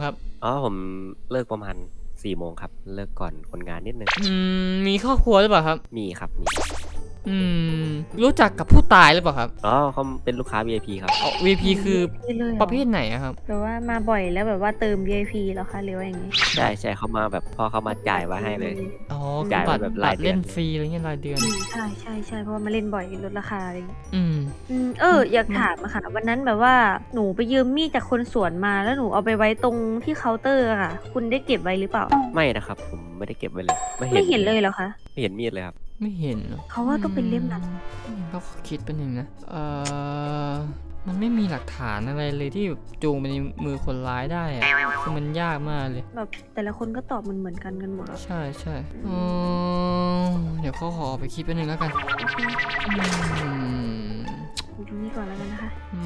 Speaker 6: อ๋อผมเลิกประมาณ4 โมงครับเลิกก่อนคนงานนิดนึง
Speaker 1: มีครอบครัวหรือเปล่าครับ
Speaker 6: มีครับมี
Speaker 1: รู้จักกับผู้ตายหรือเปล่าครับ
Speaker 6: อ๋อเขาเป็นลูกค้า VIP ครับ
Speaker 1: VP คือ
Speaker 2: นี่เลยหอ
Speaker 1: ประเภทไหนอะครับ
Speaker 2: แบบว่ามาบ่อยแล้วแบบว่าเติม VIP แล้วคะหรือว่าอย่างงี้
Speaker 6: ใช่เขามาแบบพอเขามาจ่ายมาให้เลย
Speaker 1: อ๋อ
Speaker 6: จ่าย
Speaker 1: บัตร
Speaker 6: แบบ
Speaker 1: บั
Speaker 6: รา
Speaker 1: ต
Speaker 6: ย
Speaker 1: ร
Speaker 6: เดือน
Speaker 1: เล่นฟรีอะไรเงี้ยรายเดือน
Speaker 2: ใช่เพราะว่ามาเล่นบ่อยลดราคาอะไรอย่างงี้
Speaker 1: อืม
Speaker 2: อยากถามอะค่ะวันนั้นแบบว่าหนูไปยืมมีดจากคนสวนมาแล้วหนูเอาไปไว้ตรงที่เคาน์เตอร์อะค่ะ คุณได้เก็บไว้หรือเปล่า
Speaker 6: ไม่นะครับผมไม่ได้เก็บไว้เลย
Speaker 2: ไม่เห็นเลยเหรอคะ
Speaker 6: ไม่เห็นมีดเลยครับ
Speaker 1: ไม่เห็นเหรอ
Speaker 2: เขาว่าต้องเป็นเล่มนั้น
Speaker 1: ก็คิดเป็นหนึ่งนะ มันไม่มีหลักฐานอะไรเลยที่จูงไปในมือคนร้ายได้อะคือมันยากมากเลย
Speaker 2: แบบแต่ละคนก็ตอบเหมือนกันหมดอะ
Speaker 1: ใช่เดี๋ยวเขาขอไปคิดเป็นหนึ่งแล้วกัน
Speaker 2: ดูตรงนี้ก่อนแล้วกันนะคะ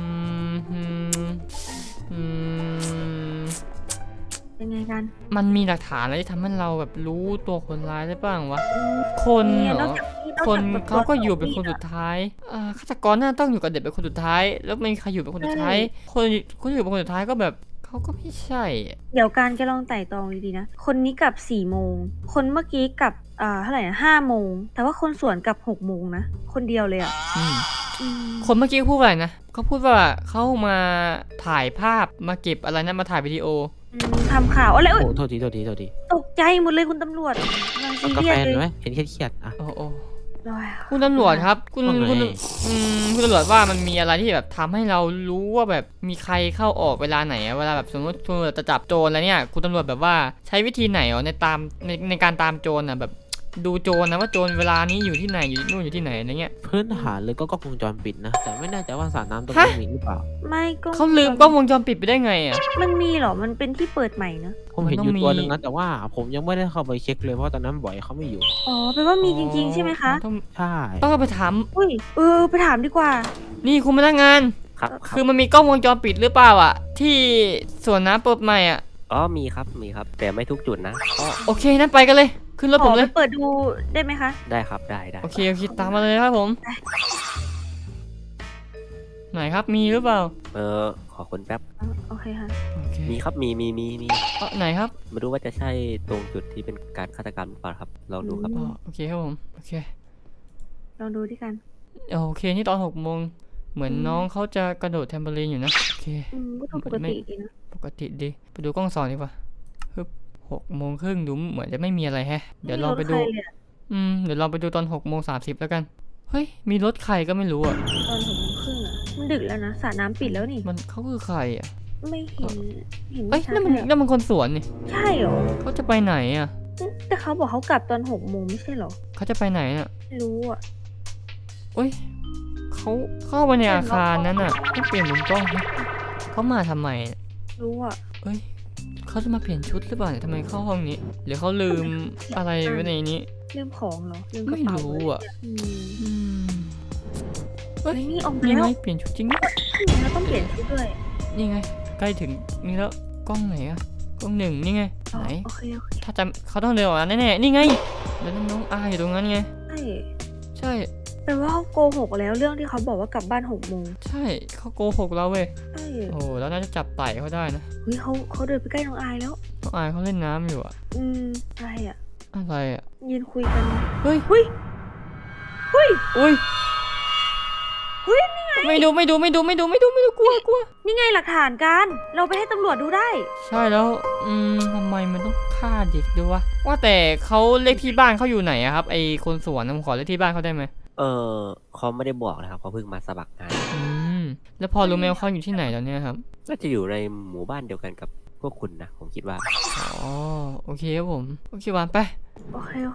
Speaker 2: ยังไงกัน
Speaker 1: มันมีหลักฐานอะไรที่ทำให้เราแบบรู้ตัวคนร้ายได้บ้างวะ คน
Speaker 2: เนี่ย
Speaker 1: เหร
Speaker 2: นอก
Speaker 1: อ
Speaker 2: จากที่
Speaker 1: คน
Speaker 2: แบบ
Speaker 1: เขาก็อยู่เป็นคนสุดท้ายฆาตกรน่าต้องอยู่กับเด็กเป็นคนสุดท้าย แล้วไม่มีใครอยู่เป็นคนสุดท้าย คนที่อยู่เป็นคนสุดท้ายก็แบบเขาก็ไม่ใช่อะ
Speaker 2: เดี๋ยวการจะลองไต่ตรองดีๆนะ คนนี้กลับ4 โมง คนเมื่อกี้กลับเท่าไหร่นะ5 โมง แต่ว่าคนสวนกลับ6 โมงนะ คนเดียวเลยอ่ะ
Speaker 1: อืม
Speaker 2: อืม
Speaker 1: คนเมื่อกี้พูดว่าอะไรนะเขาพูดว่าเขามาถ่ายภาพมาเก็บอะไรนะมาถ่ายวิดีโอ
Speaker 2: ทำข่าวอะไร
Speaker 3: โอ้
Speaker 2: เอ้ย
Speaker 3: โทษที
Speaker 2: ตกใจหมดเลยคุณตำรวจกำลังซี
Speaker 3: เอากา
Speaker 2: เรีย
Speaker 3: แฟ
Speaker 2: ส
Speaker 3: ห
Speaker 2: เล
Speaker 3: น่อย ยไหมเห็นเครียดๆอ่ะ
Speaker 1: โอ้โอ้
Speaker 2: โอ้ย
Speaker 1: คุณตำรวจครับ คุณ
Speaker 3: ว่าไง
Speaker 1: คุณตำรวจว่ามันมีอะไรที่แบบทำให้เรารู้ว่าแบบมีใครเข้าออกเวลาไหนอะเวลาแบบสมมติคุณตำรวจจะจับโจรแล้วเนี่ยคุณตำรวจแบบว่าใช้วิธีไหนในการตามโจรอะแบบดูโจรนะว่าโจรเวลานี้อยู่ที่ไหนอยู่นู่นอยู่ที่ไหนอะไรเงี้ย
Speaker 3: พื้นฐานเลยก็กล้องวงจรปิดนะ แต่ไม่แน่ใจว่าสระน้ำตรง
Speaker 1: ฮะ
Speaker 3: นี้มีหรือเปล่า
Speaker 2: ไม่ก็
Speaker 1: เขาลืมกล้องวงจรปิดไปได้ไงอะ
Speaker 2: มันมีเหรอ มันเป็นที่เปิดใหม่เนอะ
Speaker 3: ผมเห็น
Speaker 1: มัน
Speaker 3: อ
Speaker 1: ต้อง
Speaker 3: ยู่ตัว
Speaker 1: มี
Speaker 3: หนึงนะแต่ว่าผมยังไม่ได้เข้าไปเช็คเลยเพราะตอนนั้นบ่อยเขาไม่อยู่
Speaker 2: อ๋อแปลว่ามีจริง ๆ ใช่ไหมคะ
Speaker 3: ใช่
Speaker 1: ต้องไปถาม
Speaker 2: อุ้ยไปถามดีกว่า
Speaker 1: นี่คุณพนักงาน
Speaker 6: ครับ
Speaker 1: คือมันมีกล้องวงจรปิดหรือเปล่าอะที่สวนน้ำเปิดใหม่อะ
Speaker 6: อ๋อมีครับแต่ไม่ทุกจุดนะ
Speaker 1: โอเคนั้นไปกันเลยขึ้นรถ
Speaker 2: ข
Speaker 1: ผ
Speaker 2: อ
Speaker 1: ม
Speaker 2: ไป
Speaker 1: เลย
Speaker 2: เปิดดูได้ไหมคะ
Speaker 6: ได้ครับได้
Speaker 1: โอเคตามมาเลยครับผมไหนครับมีหรือเปล่า
Speaker 6: ขอคนแป๊บ
Speaker 2: โอเคค่ะ
Speaker 1: โอเค
Speaker 6: มีครับมี
Speaker 1: ไหนครับ
Speaker 6: มาดูว่าจะใช่ตรงจุดที่เป็นการฆาตกรรมหรือเปล่าครับลองดูครับ
Speaker 1: โอเคครับผมโอเค
Speaker 2: ลองดูที่กัน
Speaker 1: โอเคนี่ตอน6 โมงเหมือนน้องเขาจะกระโดดแทมเบอรีนอยู่นะโอเค
Speaker 2: ก็ดูปกติดีนะ
Speaker 1: ปกติดีไปดูกล้อง2ดีกว่าฮึบ6 โมงครึ่งดูเหมือนจะไม่มีอะไรแฮะเดี๋ยวลองไปดู
Speaker 2: ม่มีรถใครเลยอะ
Speaker 1: เดี๋ยวลองไปดูตอน6:30แล้วกันเฮ้ยมีรถใครก็ไม่รู้อ่ะ
Speaker 2: ตอน6 โมงครึ่งอะมันดึกแล้วนะสระน้ำปิดแล้วนี่
Speaker 1: มันเขาคือใครอ่ะ
Speaker 2: ไม่เห็น
Speaker 1: เอ้ย
Speaker 2: ชัด
Speaker 1: นั่นมัน
Speaker 2: เลยอะ
Speaker 1: นั่นมันคนสวนนี่
Speaker 2: ใช่เหรอ
Speaker 1: เขาจะไปไหนอ่ะ
Speaker 2: แต่เขาบอกเขากลับตอน6 โมงไม่ใช่เหรอ
Speaker 1: เขาจะไปไหนอ่ะ
Speaker 2: ไม่รู้อ่ะ
Speaker 1: เอ้ยเขาเข้าไปในอาคารนั้นอ่ะต้องเปลี่ยนมุมกล้องนะเขามาทำไมอะ
Speaker 2: รู้อ่ะ
Speaker 1: เอ้ยเขาจะมาเปลี่ยนชุดหรือเปล่าเนี่ยทำไมเข้าห้องนี้ หรือเขาลืมอะไรไว้ในนี้
Speaker 2: ลืมของเหรอลืมกระ
Speaker 1: ไม่
Speaker 2: เป๋า
Speaker 1: รู้อ่ะ
Speaker 2: อืม
Speaker 1: อืม
Speaker 2: เฮ้ยนี่ออกมา
Speaker 1: นี่
Speaker 2: แล้
Speaker 1: ไง
Speaker 2: ว
Speaker 1: เปลี่ยนชุดจริงด้วย
Speaker 2: แล้วต้องเปลี่ยนชุดด้วย
Speaker 1: นี่ไงใกล้ถึงนี่แล้วกล้องไหนอะกล้อง1นี่ไง
Speaker 2: อ๋อ
Speaker 1: ไหน
Speaker 2: โอเคโอเค
Speaker 1: ถ้าจำเขาต้องเดินออกมาแน่ๆนี่ไงแล้วน้องอาอยู่ตรงนั้นไง
Speaker 2: ใช่
Speaker 1: ใช่
Speaker 2: แปลว่าเขาโกหกแล้วเรื่องที่เขาบอกว่ากลับบ้าน6 โมง
Speaker 1: ใช่เขาโกหกเราเว้ย
Speaker 2: ใช่
Speaker 1: โอ้แล้วน่าจะจับไต่เขาได้นะ
Speaker 2: เฮ้ยเขาเดินไปใกล้น้องอายแล้ว
Speaker 1: น้องอายเขาเล่นน้ำอยู่อะ
Speaker 2: อะไรอ่ะ
Speaker 1: อะไรอะ
Speaker 2: ยืนคุยกัน
Speaker 1: เฮ้ย
Speaker 2: เฮ้ย
Speaker 1: อุ้ย
Speaker 2: เฮ้ยนี่ไง
Speaker 1: ไม่ดูกลัว
Speaker 2: นี่ไงหลักฐานกันเราไปให้ตำรวจดูได้
Speaker 1: ใช่แล้วทำไมมันต้องฆ่าเด็กด้วยวะว่าแต่เขาเลขที่บ้านเขาอยู่ไหนอะครับไอคนสวนนะผมขอเลขที่บ้านเขาได้ไหม
Speaker 6: เขาไม่ได้บอกนะครับเขาเพิ่งมาสมัครงาน
Speaker 1: แล้วพอรู้ไหมว่าเขาอยู่ที่ไหนแล้วเนี่ยครับ
Speaker 6: น่าจะอยู่ในหมู่บ้านเดียวกันกับพวกคุณนะผมคิดว่า
Speaker 1: อ๋อโอเคครับผมโอเควานไป
Speaker 2: โอเคโอเค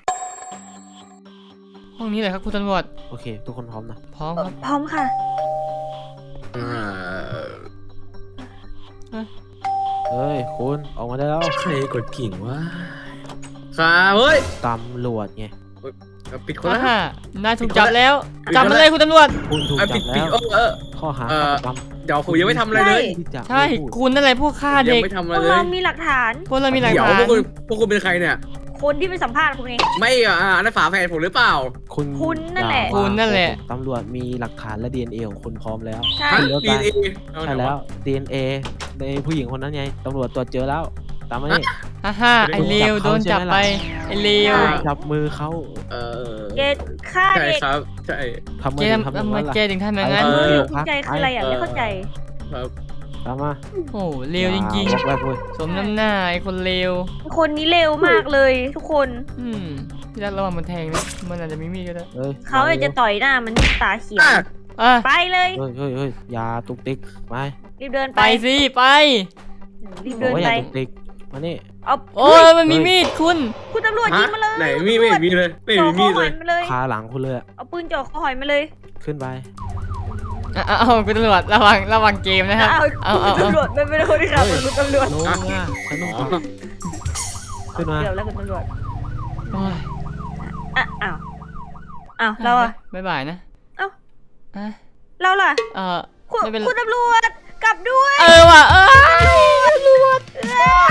Speaker 1: ห้องนี้เลยครับคุณตำรวจ
Speaker 3: โอเค ทุกคนพร้อมนะ
Speaker 1: พร้อมครับ
Speaker 2: พร้อมค่ะ
Speaker 5: อ่า
Speaker 3: เฮ้ยคุณออกมาได้แล้ว
Speaker 5: ใครกดกิ่งวะครับเฮ้ย
Speaker 3: ตำรวจไง
Speaker 5: ปิดคนละ
Speaker 1: นายถูกจับแล้ว
Speaker 5: ปิด
Speaker 1: จับ
Speaker 5: คน
Speaker 1: มา
Speaker 5: ละ
Speaker 1: เลยคุณตำรวจ
Speaker 3: คุณถูก
Speaker 5: ปิ
Speaker 3: จั
Speaker 5: ด
Speaker 3: บ
Speaker 5: ปิด
Speaker 3: แล้วข้อหา
Speaker 5: เอ่อ
Speaker 3: ฆาตกรรม
Speaker 5: เดี๋ยวผมยังไม่ทำอะไรเลย
Speaker 3: ที่จะ
Speaker 1: ใช่
Speaker 3: ไม่พูด
Speaker 1: คุณนั่นแหละพวกฆ่า
Speaker 5: ยั
Speaker 1: เด็
Speaker 5: ง
Speaker 1: ก
Speaker 5: ไม่ทำ
Speaker 2: พ
Speaker 5: อะไร
Speaker 2: วก
Speaker 5: เล
Speaker 2: เรา
Speaker 5: ย
Speaker 2: มีหลักฐาน
Speaker 1: พวกเรามีหลัก
Speaker 5: เดี๋ยว
Speaker 1: ฐาน
Speaker 5: พวกคุณเป็นใครเนี่ย
Speaker 2: คนที่ไปสัมภาษณ์คุณเอง
Speaker 5: ไม่นั่นฝาแฝดผมหรือเปล่า
Speaker 2: คุณนั่นแหละ
Speaker 3: อย่า
Speaker 1: คุณนั่นแหละ
Speaker 3: ตำรวจมีหลักฐานและ DNA ของคุณพร้อมแล้ว
Speaker 2: ใช่
Speaker 3: ขึ้นรถไป
Speaker 5: DNA
Speaker 3: ใช่แล้ว DNA ในผู้หญิงคนนั้นไงตำรวจตรวจเจอแล้วตามมานี่
Speaker 1: ฮ่าไอเลวโดนจับไปไอเลว
Speaker 3: จับมือเขา
Speaker 2: เกฆ่า
Speaker 5: ใช่
Speaker 2: เด็ก
Speaker 5: ครับใช่
Speaker 3: ทำไม
Speaker 1: แก
Speaker 3: ถึงทำอย่าง
Speaker 1: ทำไม
Speaker 3: นั้นล่ะ
Speaker 1: แกถึงทำอย่างนั้น
Speaker 2: ภูมิใจคืออะไรอ่ะไม่เข้าใจ
Speaker 5: ครับ
Speaker 3: ตามมา
Speaker 1: โอ้เลวจริง
Speaker 3: อย่าบอกแบบเว้ย
Speaker 1: ๆ สมน้ำหน้าไอคนเลว
Speaker 2: คนนี้เร็วมากเลยทุกคน
Speaker 1: พี่รักระวังมันแทงนะมันอาจจะมีมีดก็ได้
Speaker 3: อ้ย
Speaker 2: เขาอยากจะต่อยหน้ามันตาเขียว
Speaker 1: อ่ะ
Speaker 2: ไปเลย
Speaker 3: เฮ้ยอย่าตุกติกไป
Speaker 2: รีบเดิน
Speaker 1: ไป
Speaker 2: ไป
Speaker 1: สิไป
Speaker 2: รีบ
Speaker 3: บอ
Speaker 2: เดิ
Speaker 3: ก
Speaker 2: น
Speaker 3: ว่าอ
Speaker 2: ไป
Speaker 3: ย่าตุกติกมานี่
Speaker 2: เอา
Speaker 1: โอ้ยมันมีมีดคุณ
Speaker 2: คุณตำรวจยิงมาเลย
Speaker 5: ไหนมีไม่เห็นมีเลยไม่
Speaker 2: จ่อ
Speaker 5: มี
Speaker 2: ค
Speaker 5: มี
Speaker 2: อ
Speaker 5: ด
Speaker 2: ห
Speaker 5: เล
Speaker 2: อย
Speaker 5: ย
Speaker 2: มาเลย
Speaker 3: คาหลังคุณเลยอะ
Speaker 2: เอาปืนจ่อคอหอยมาเลย
Speaker 3: ขึ้นไป
Speaker 1: เอาคุณตำรวจระวังเกมนะครับ เอา
Speaker 2: คุณตำรวจเป็นคนที่ขับคุณตำรวจ
Speaker 3: ลงอ่ะฉันต้องขับขึ้นมา
Speaker 2: เดี๋ยวแล้วคุณตำรวจ
Speaker 1: โอ้ย
Speaker 2: อ้าวเราอะ
Speaker 1: บ๊ายบายนะ
Speaker 2: เอ้า
Speaker 1: อ่ะ
Speaker 2: เราล่ะ
Speaker 1: เออ
Speaker 2: คุณ
Speaker 1: ไม่เป็นไร
Speaker 2: คุณตำรวจกลับด้วย
Speaker 1: ว่ะตำรวจ
Speaker 2: เอ้ย